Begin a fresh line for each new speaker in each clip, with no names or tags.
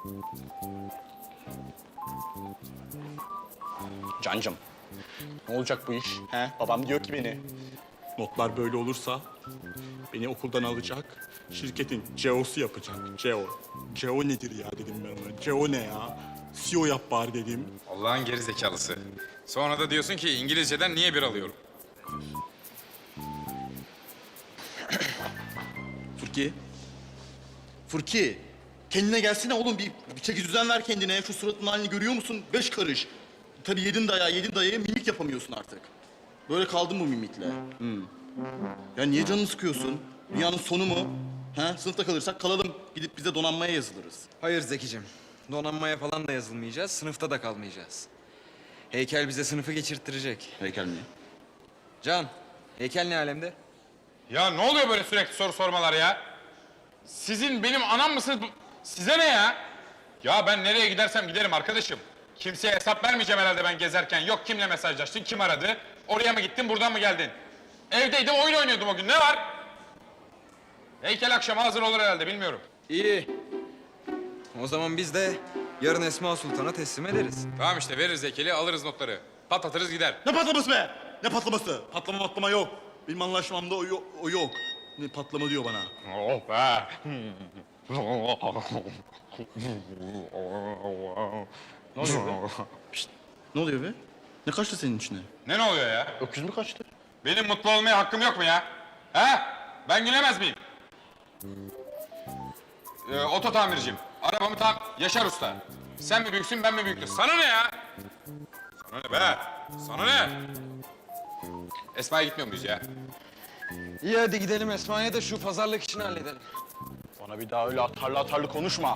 Cancım, ne olacak bu iş? He? Babam diyor ki beni. Notlar böyle olursa beni okuldan alacak, şirketin CEO'su yapacak. CEO. CEO nedir ya dedim ben ona. CEO ne ya? CEO yap bari dedim.
Allah'ın geri zekalısı. Sonra da diyorsun ki İngilizceden niye bir alıyorum?
Furki. Furki. Kendine gelsene oğlum. Bir çeki düzen ver kendine. Şu suratının halini görüyor musun? 5 karış. Tabii yedin dayaya mimik yapamıyorsun artık. Böyle kaldın bu mimikle. Ya niye canını sıkıyorsun? Dünyanın sonu mu? Ha? Sınıfta kalırsak kalalım. Gidip bize donanmaya yazılırız.
Hayır Zekicim. Donanmaya falan da yazılmayacağız, sınıfta da kalmayacağız. Heykel bize sınıfı geçirttirecek.
Heykel mi?
Can, heykel ne alemde?
Ya ne oluyor böyle sürekli soru sormalar ya? Sizin benim anam mısınız? Size ne ya? Ya ben nereye gidersem giderim arkadaşım. Kimseye hesap vermeyeceğim herhalde ben gezerken. Yok kimle mesajlaştın, kim aradı? Oraya mı gittin, buradan mı geldin? Evdeydim, oyun oynuyordum o gün. Ne var? Heykel akşama hazır olur herhalde, bilmiyorum.
İyi. O zaman biz de yarın Esma Sultan'a teslim ederiz.
Tamam işte veririz heykeli, alırız notları. Patlatırız gider.
Ne patlaması be? Ne patlaması? Patlama yok. Benim anlaşmamda o yok. Ne patlama diyor bana.
Oh be!
Ne oluyor be? Şişt, ne oluyor be? Ne kaçtı senin içine?
Ne oluyor ya?
Öküz mü kaçtı?
Benim mutlu olmaya hakkım yok mu ya? He? Ben gülemez miyim? Oto tamirciyim. Arabamı Yaşar Usta. Sen mi büyüksün, ben mi büyüktüm? Sana ne ya? Sana ne be? Sana ne? Esma'ya gitmiyor muyuz ya?
İyi hadi gidelim Esma'ya da şu pazarlık işini halledelim.
Bana bir daha öyle atarlı konuşma.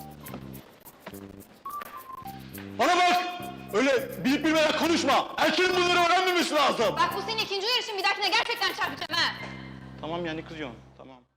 Bana bak! Öyle bilip bilmeden konuşma. Erkeğin bunları öğrenmemesi lazım.
Bak bu senin ikinci uyarışın, bir dahakine gerçekten çarpacağım ha.
Tamam yani kızıyorsun. Tamam.